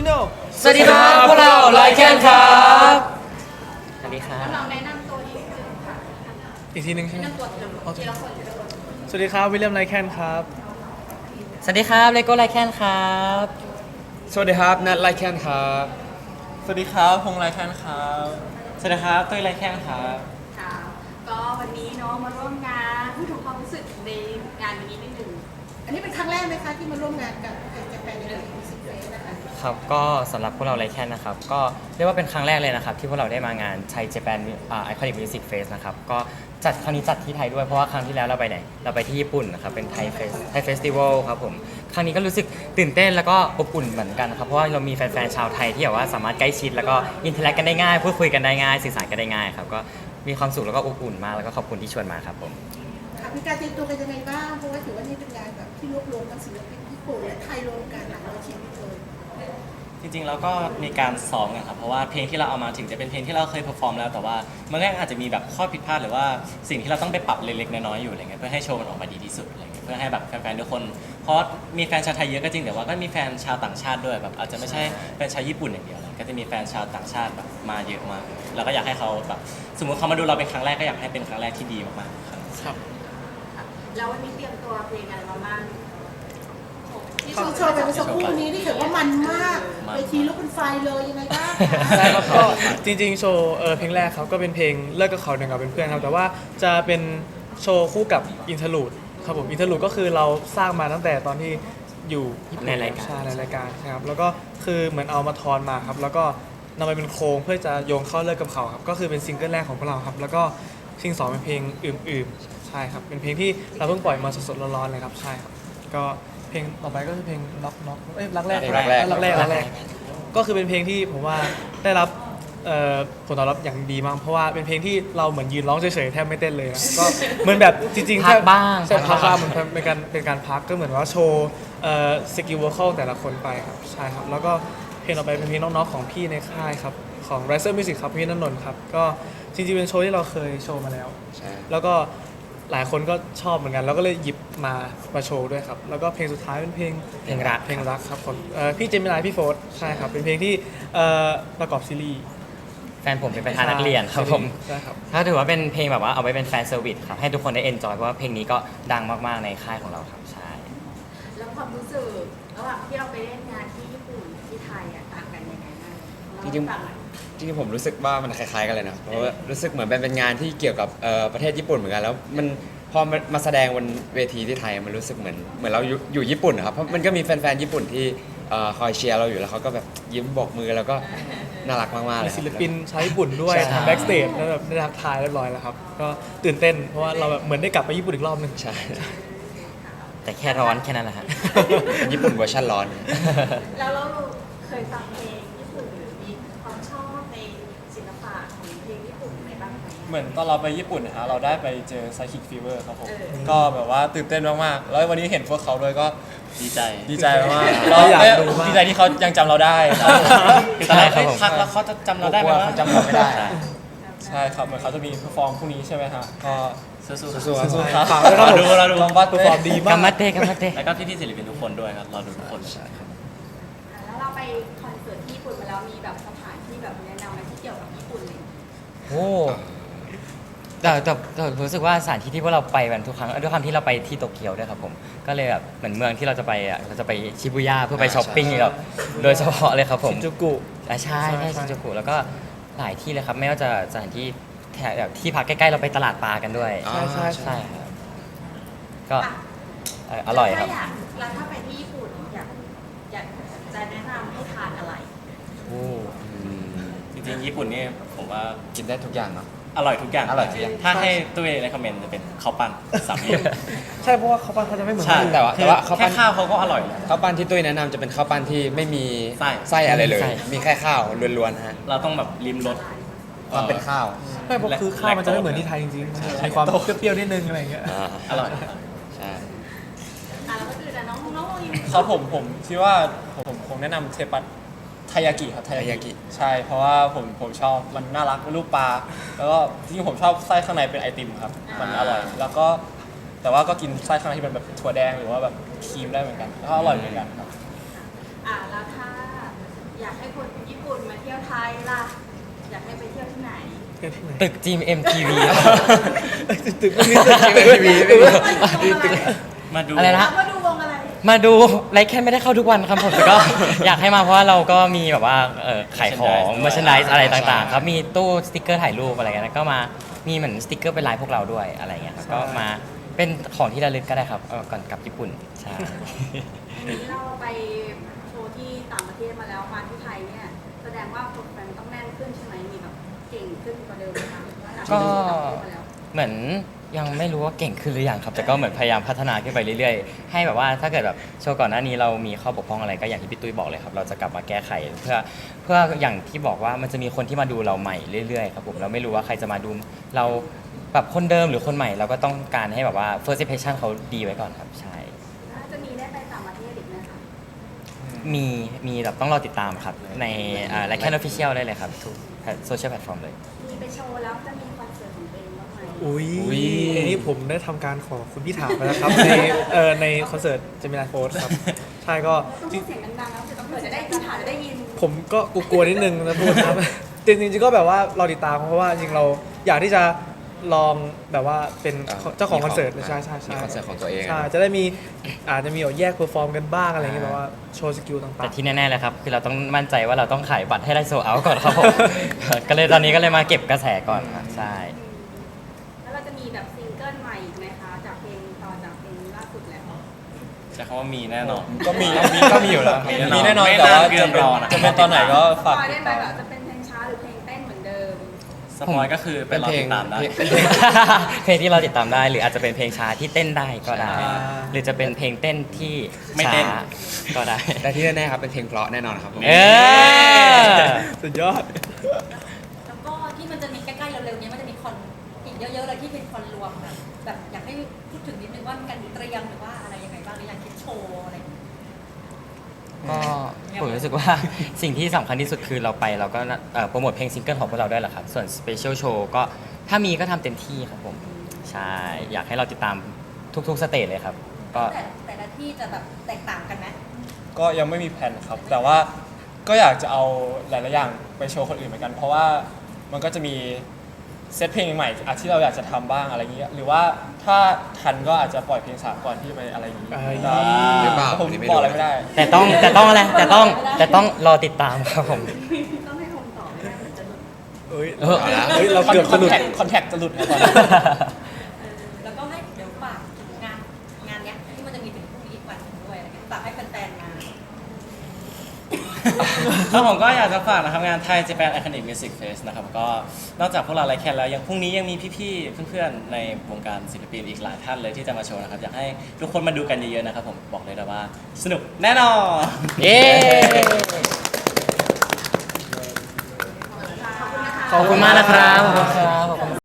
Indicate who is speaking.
Speaker 1: Original
Speaker 2: สวัสดีครับพวกเราไลแคนครับสวัสดีครับ
Speaker 3: ลองแนะนำตัวนิดนึงค่ะ
Speaker 1: อีกทีหนึงใช่ไหม
Speaker 3: แนะนำตัวทีละคนทีละคน
Speaker 1: สวัสดีครับวิลเลียมไลแคนครับ
Speaker 2: สวัสดีครับเลโก้ไลแคนครับ
Speaker 4: สวัสดีครับนัทไลแคนครับ
Speaker 5: สวัสดีครับพงษ์ไรแคนครับสวัสดีครับตุ้ยไรแคนครับ
Speaker 3: ค่ะก็วันนี้เนาะมาร่วมงานพูดถึงความรู้สึกในงานวันนี้นิดนึงอันนี้เป็นครั้งแรกไหมคะที่มาร่วมงานกับแฟนในเรื่องมิวสิกเฟสนะคะ
Speaker 2: ครับก็สำหรับพวกเราไลแคนนะครับก็เรียกว่าเป็นครั้งแรกเลยนะครับที่พวกเราได้มางานไทยเจแปนไอคอนิกมิวสิกเฟสนะครับก็จัดครั้งนี้จัดที่ไทยด้วยเพราะว่าครั้งที่แล้วเราไปไหนเราไปที่ญี่ปุ่นนะครับเป็นไทยเฟสติวัลครับผมครั้งนี้ก็รู้สึกตื่นเต้นแล้วก็อบอุ่นเหมือนกันนะครับเพราะว่าเรามีแฟนๆชาวไทยที่แบบว่าสามารถใกล้ชิดแล้วก็อินเทอร์แอคกันได้ง่ายพูดคุยกันได้ง่ายสื่อสารกันได้ง่ายครับก็มีความสุขแล้วก็อบอุ่นมากแล้วก็ขอบคุณที่ชวนมาครับผม
Speaker 6: ค่ะมีการเตรียมตัวกันยังไงบ้าง เพราะว่าถือว่านี่เป็นงานแบบที่รวบรวมทั้งศิลปินญี่ปุ่นและไทยรวมกันหลายร้อยชีวิตเลย
Speaker 5: จริงๆแล้วก็มีการซ้อมกันครับเพราะว่าเพลงที่เราเอามาถึงจะเป็นเพลงที่เราเคยเพอร์ฟอร์มแล้วแต่ว่ามันก็อาจจะมีแบบข้อผิดพลาดหรือว่าสิ่งที่เราต้องไปปรับเล็กๆน้อยๆอยู่อะไรเงี้ยเพื่อให้โชว์มันออกมาดีที่สุดอะไรเงี้ยเพื่อให้แบบแฟนๆทุกคนเพราะมีแฟนชาวไทยเยอะก็จริงแต่ว่าก็มีแฟนชาวต่างชาติด้วยแบบอาจจะไม่ใช่แฟนชาวญี่ปุ่นอย่างเดียวก็จะมีแฟนชาวต่างชาติแบบมาเยอะมากแล้วก็อยากให้เขาแบบสมมติเขามาดูเราเป็นครั้งแรกก็อยากให้เป็นครั้งแรกที่ดีมากๆครับ
Speaker 1: ครับ
Speaker 3: แล้ววันนี้เตรียมตัวเพลงอะไรมาบ้างที่
Speaker 6: โชว์ไปเมื่อสักครู่นี้ที่ถือว่ามันมากเวทีลุกเป็นไฟเลยยังไงบ้าง
Speaker 1: ใช่ครับก็จริงๆโชว์เพลงแรกครับก็เป็นเพลงเลิกกับเขาหนึ่งกับเป็นเพื่อนครับแต่ว่าจะเป็นโชว์คู่กับอินเทอร์ลูดครับผมอินเทอร์ลูดก็คือเราสร้างมาตั้งแต่ตอนที่อยู่ญี่ปุ่น
Speaker 2: ในรายการ
Speaker 1: ใช่ในรายการใช่ครับแล้วก็คือเหมือนเอามาทอนมาครับแล้วก็นำไปเป็นโครงเพื่อจะโยงเข้าเลิกกับเขาครับก็คือเป็นซิงเกิลแรกของพวกเราครับแล้วก็ซิงสองเป็นเพลงอื่นๆใช่ครับเป็นเพลงที่เราเพิ่งปล่อยมาสดๆร้อนๆเลยครับใช่ครับก็เพลงต่อไปก็คือเพลงน็อกรักแรก
Speaker 4: รักแรก
Speaker 1: รักแรกก็คือเป็นเพลงที่ผมว่าได้รับผลตอบรับอย่างดีมากเพราะว่าเป็นเพลงที่เราเหมือนยืนร้องเฉยๆแทบไม่เต้นเลยนะก็เหมือนแบบจริงๆ
Speaker 2: พักบ้าง
Speaker 1: ใช่พักบ้างเหมือนเป็นการพักก็เหมือนว่าโชว์สกิลวอคอลแต่ละคนไปครับใช่ครับแล้วก็เพลงต่อไปเป็นเพลงน้องๆของพี่ในค่ายครับของ Riser Music ครับพี่ณนนท์ครับก็จริงๆเป็นโชว์ที่เราเคยโชว์มาแล้ว
Speaker 4: ใช่
Speaker 1: แล้วก็หลายคนก็ชอบเหมือนกันแล้วก็เลยหยิบมาโชว์ด้วยครับแล้วก็เพลงสุดท้ายเป็นเพลง
Speaker 2: เพลงรัก
Speaker 1: เพลงรักครับผมพี่เจมินายพี่โฟร์ใช่ครับเป็นเพลงที่ประกอบซีรีส์
Speaker 2: แฟนผมเป็นประธานนักเรียนครับผม
Speaker 1: ใช่ครับ
Speaker 2: ถ้าถือว่าเป็นเพลงแบบว่าเอาไว้เป็นแฟนเซอร์วิสครับให้ทุกคนได้เอนจอยเพราะว่าเพลงนี้ก็ดังมากๆในค่ายของเราครับใช่
Speaker 3: แล้วความรู้สึกระหว่างที่เราไปเล่นงานที่ญี่ปุ่นที่ไทยอ่ะต่างกันยังไงบ้าง
Speaker 4: จริงๆจริงๆผมรู้สึกว่ามันคล้ายๆกันเลยนะเพราะว่ารู้สึกเหมือนเป็นงานที่เกี่ยวกับประเทศญี่ปุ่นเหมือนกันแล้วมันพอมาแสดงบนเวทีที่ไทยมันรู้สึกเหมือนเราอยู่ญี่ปุ่นนะครับเพราะมันก็มีแฟนๆญี่ปุ่นที่คอยเชียร์เราอยู่แล้วเขาก็แบบยิ้มโบกมือแล้วก็น่ารักมากๆเล
Speaker 1: มี
Speaker 4: ยครับ
Speaker 1: ศิลปินชาวญี่ปุ่นด้วย
Speaker 4: ใช่
Speaker 1: แบ็กสเตจแล้วแบบได้ทักทายเรียบร้อยแล้วครับก็ตื่นเต้นเพราะว่าเราแบบเหมือนได้กลับไปญี่ปุ่นอีกรอบหนึง
Speaker 4: ใช่
Speaker 2: แต่แค่ร้อนแค่นั้นแหละฮะ
Speaker 4: ญี่ปุ่นเวอร์ชันร้อน
Speaker 3: แล้วเราเคยฟังเพลงญี่ปุ่นหรือมีความชอบในศิลปะของเพลงญี่ปุ่นไหนบ้างไหม
Speaker 5: เหมือนตอนเราไปญี่ปุ่นนะฮะเราได้ไปเจอ Psychic Fever ครับผม
Speaker 3: เออ
Speaker 5: ก็แบบว่าตื่นเต้นมากๆแล้ววันนี้เห็นพวกเขาด้วยก็
Speaker 7: ดีใจ
Speaker 5: ดีใจมาก
Speaker 1: เราอยากดูมาก
Speaker 5: ดีใจที่เขายังจำเราได้
Speaker 2: ใช่ครับผม
Speaker 5: พักแล้วเขาจะจำเราได้ไหม
Speaker 4: กลัว
Speaker 5: วะ
Speaker 4: เขาจำเราไม่ได้
Speaker 5: ใช่ครับเหมือนเขาจะมีเพอร์ฟอร์มพรุ่งนี้ใช่ไหมฮะก็
Speaker 7: สู้ๆ
Speaker 4: สู้ๆครับ
Speaker 5: สู้ๆครับ
Speaker 1: ฝากด้วยครับผม
Speaker 5: เราดู
Speaker 1: ลองบัตตัวฟอร์มดีมาก
Speaker 2: กัมมัตเตกัมมัตเต
Speaker 7: แล้วก็พี่ๆศิลปินทุกคนด้วยครับรอดูทุกคน
Speaker 3: แล้วเราไปคอนเสิร์ตที่ญี่ปุ่นมาแล้วมีแบบสถานที่แบบแนะนำอะไรที่เกี่ยวกับญี่ปุ่นเลย
Speaker 2: โอ้แต่รู้สึกว่าสถานที่ที่พวกเราไปกันทุกครั้งด้วยความที่เราไปที่โตเกียวด้วยครับผมก็เลยแบบเหมือนเมืองที่เราจะไปอ่ะเราจะไปชิบูย่าเพื่อไปช้อปปิ้งแบบโดยเฉพาะเลยครับผม
Speaker 1: ชินจูกุ
Speaker 2: ใช่ชินจูกุแล้วก็หลายที่เลยครับไม่ว่าจะสถานที่แถวแบบที่พักใกล้ๆเราไปตลาดปลากันด้วย
Speaker 4: อ๋อ
Speaker 1: ใช่
Speaker 2: ครับก็อร่อยครับ
Speaker 3: แล้วถ้าไปที่ญี่ปุ่นอยากจะแนะนำให้ทานอะไร
Speaker 2: โอ้
Speaker 4: อืม
Speaker 7: จริงๆญี่ปุ่นนี่ผมว่า
Speaker 4: กินได้ทุกอย่างเนาะ
Speaker 7: อร่อยทุกอย่าง
Speaker 4: อร่อยทุกอย่าง
Speaker 7: ถ้าให้ตุ้ยในคอมเมนต์จะเป็นข้าวปั้นสามเหลี่ยม
Speaker 1: ใช่เพราะว่าเขาปั้นเขาจะไม่เหมือน
Speaker 7: ใช่
Speaker 1: คนอื่น
Speaker 4: แต่ว่าข้าวปั้
Speaker 7: แค่
Speaker 4: น
Speaker 7: ข้าวเขาก็อร่อยแล้ว
Speaker 4: ข้าวปั้นที่ตุ้ยแนะนำจะเป็นข้าวปั้นที่ไม่มี
Speaker 7: ไส้
Speaker 4: ไส้อะไรเลย
Speaker 2: ไส้
Speaker 4: มีแค่ข้าวล้วนๆฮะ
Speaker 7: เราต้องแบบริมรส
Speaker 4: ความเป็นข้าว
Speaker 1: ไม่เพราะคือข้าวมันจะไม่เหมือนที่ไทยจริงๆมันมีความเปรี้ยวๆนิดนึงอะไรอย่างเงี้ย
Speaker 7: อร่อย
Speaker 4: ใช่
Speaker 3: แล้วก็คือแต่น้องยิง
Speaker 5: ครับผมคิดว่าผมคงแนะนำเทปัสไทยากิครับไทยากิใช่เพราะว่าผมชอบมันน่ารักเป็นรูปปลาแล้วก็จริงๆผมชอบไส้ข้างในเป็นไอติมครับมันอร่อยแล้วก็แต่ว่าก็กินไส้ข้างในที่เป็นแบบถั่วแดงหรือว่าแบบครีมได้เหมือนกันแล้วก็อร่อยเหมือนกันครับ
Speaker 3: แล้วถ้าอยากให้คนญี่ปุ่นมาเที่ยวไทยล่ะ อยากให้ไปเที่ยวที่ไหน
Speaker 1: เที่ยวที่ไหน
Speaker 2: ตึก GMMTV
Speaker 1: ตึกไม่มีตึก
Speaker 4: GMMTV ไม่มี
Speaker 5: มาดู
Speaker 2: อะไรนะ
Speaker 3: มาดูวงอะไร
Speaker 2: มาดูไลค์แค่ไม่ได้เข้าทุกวันครับผมแต่ก็ อยากให้มาเพราะว่าเราก็มีแบบว่าขายของ merchandise อะไรต่างๆครับมีตู้สติกเกอร์ถ่ายรูปอะไรเงี้ยแล้วก็มามีเหมือนสติกเกอร์เป็นลายพวกเราด้วยอะไรเงี้ยครับก็มาเป็นของที่ระลึกก็ได้ครับก่อนกลับญี่ปุ่นใช่
Speaker 3: วันนี้เราไปโชว์ที่ต่างประเทศมาแล้วมาที่ไทยเนี่ย แสดงว่าคนแฟนต้องแน่นขึ้นใช่ไหมมีแบบเก่งขึ้นกว่าเดิมไหมคะหลังจาก
Speaker 2: ก็
Speaker 3: ที่ต่างประเทศมาแล้ว
Speaker 2: เหมือนยังไม่รู้ว่าเก่งขึ้นหรือยังครับ แต่ก็เหมือนพยายามพัฒนาขึ้นไปเรื่อยๆ ให้แบบว่าถ้าเกิดแบบโชว์ก่อนหน้านี้เรามีข้อบกพร่องอะไรก็อย่างที่พี่ตุ้ยบอกเลยครับ เราจะกลับมาแก้ไขเพื่ออย่างที่บอกว่ามันจะมีคนที่มาดูเราใหม่เรื่อยๆครับผมเราไม่รู้ว่าใครจะมาดูเราแบบคนเดิมหรือคนใหม่เราก็ต้องการให้แบบว่า first impression เขาดีไว้ก่อนครับใช่
Speaker 3: แล้วจะมีได้ไปต่างประเทศอีกไหมคะ
Speaker 2: มีแบบต้องรอติดตามครับในไลค์แคนออฟฟิเชียลได้เลยครับทุกโซเชียลแพลตฟอร์มเลย
Speaker 3: มีไปโชว์แล้วจะมีคอนเสิร์ตของตัวเองบ้างไหม
Speaker 1: อุ้ย
Speaker 4: อุ๊ย
Speaker 1: อันนี้ผมได้ทำการขอคุณพี่ถามไปแล้วครับ ในคอนเสิร์ตเจมินาโฟร์ครับ ใช่ก็
Speaker 3: ต้อง
Speaker 1: จริ
Speaker 3: พู
Speaker 1: ง
Speaker 3: ดเสียงดังๆแล้วเผื่อจะได้ที่ถามจะได้ยิน
Speaker 1: ผมก็กลัวๆนิดนึงนะพูดนะครับ จริงๆก็แบบว่าเราติดตามเพราะว่าจริงเราอยากที่จะลองแบบว่าเป็นเจ้าของคอนเสิร์ตใช่ใช่
Speaker 4: มี
Speaker 1: ใช่
Speaker 4: คอนเสิร์ตของตัวเอง
Speaker 1: ใช่จะได้มีอาจจะมีแยกเพอร์ฟอร์มกันบ้างอะไรอย่างเงี้ยแบบว่าโชว์สกิลต่าง
Speaker 2: แต่ที่แน่ๆเลยครับคือเราต้องมั่นใจว่าเราต้องขายบัตรให้ได้โซเอาก่อนครับผม ก็เลยตอนนี้ก็เลยมาเก็บกระแสก่อนครับใช่
Speaker 3: แล้วเราจะมีแบบซิงเกิลใหม่อีกไหมคะ จากเพลงต่อจากเพลงล่าสุดแล้ว
Speaker 5: ใช้คำว่ามีแน่นอน
Speaker 8: ก็มีอยู่แล้ว
Speaker 5: มีแน่นอน
Speaker 8: มีแน่นอนแต่ว่า
Speaker 5: ไม่นานเกิ
Speaker 8: จะ
Speaker 5: น
Speaker 8: เป็น
Speaker 5: รอนะ
Speaker 8: จะเป็นตอนไหนก็
Speaker 3: ส
Speaker 8: ฝาก
Speaker 3: ปอย
Speaker 8: ติ
Speaker 3: ได้
Speaker 8: ด
Speaker 3: ไหม
Speaker 8: ตาม
Speaker 3: แบบจะเป็นเพลงช้าหรือเพลงเต้นเหมือนเดิม
Speaker 5: สปอยก็คือไปรอติดตามได้
Speaker 4: เป็นเพลง
Speaker 2: เพลงที่เราติดตามได้หรืออาจจะเป็นเพลงช้าที่เต้นได้ก็ได้ หรือจะเป็นเพลงเต้นที่
Speaker 5: ไม่เต้น
Speaker 2: ช้าก็ได้
Speaker 4: แต่ที่แน่ๆครับเป็นเพลงเพราะแน่นอนครับผม
Speaker 2: เออ
Speaker 1: ๆ สุดยอด
Speaker 9: แล้วก็ที่มันจะมีใกล้ๆเร็วๆนี้มันจะมีคอนอีกเยอะๆเลยที่เป็นคอนรวมแบบอยากให้พูดถึงนิดนึงว่ามีการเตรียมหรือว่าอะไรยังไงบ้างหรืออยากคิดโชว์อะไรอย่างเงี้ย
Speaker 2: ก็ผมรู้สึกว่า สิ่งที่สำคัญที่สุดคือเราไปเราก็โปรโมทเพลงซิงเกิลของพวกเราด้วยแหละครับ ส่วนสเปเชียลโชว์ก็ถ้ามีก็ทำเต็มที่ครับผม ใช่ อยากให้เราติดตามทุกๆสเตจเลยครับ ก็
Speaker 9: แต่ละที่จะแบบแตกต่างกันไหม
Speaker 8: ก็ยังไม่มีแผนครับ แต่ว่าก็อยากจะเอาหลายๆอย่างไปโชว์คนอื่นเหมือนกัน เพราะว่ามันก็จะมีเซตเพลงใหม่ๆที่เราอยากจะทำบ้างอะไรอย่างเงี้ยหรือว่าถ้าทันก็อาจจะปล่อยเพลงสากลที่ไปอะไรอย่างงี้
Speaker 1: เอ้ย
Speaker 8: แต่
Speaker 4: หรือเปล่า
Speaker 8: ผม
Speaker 4: อันนี้ไม่
Speaker 8: บ
Speaker 4: รู้
Speaker 8: อกอะไรไม่ได้
Speaker 2: แต่ต้องอะไรแต่ต้องรอติดตามครับผม
Speaker 3: ต้องให้คนตอบไม่ได้เหมือนจะหลุด
Speaker 1: เอ้ย
Speaker 2: เออ
Speaker 4: เอาละ
Speaker 1: เฮ้ยเราเกือบสะดุด
Speaker 8: คอนแทคจะหลุดนะตอนนี้
Speaker 9: แล้วก็ให้เดี๋ยวฝากถึงงานเนี้ยที่มันจะมีถึงพรุ่งนี้อีกวันหนึ่งด้วยอะไรเงี้ยฝากให้แฟนๆมา
Speaker 5: แล้วผมก็อยากจะฝากนะครับงานไทย Japan Iconic Music Fest นะครับก็นอกจากพวกเราไลค์แคนแล้วยังพรุ่งนี้ยังมีพี่ๆเพื่อนๆในวงการศิลปินอีกหลายท่านเลยที่จะมาโชว์นะครับอยากให้ทุกคนมาดูกันเยอะๆนะครับผมบอกเลยนะว่าสนุกแน่นอน
Speaker 2: เย้ ขอบคุณมากนะครับ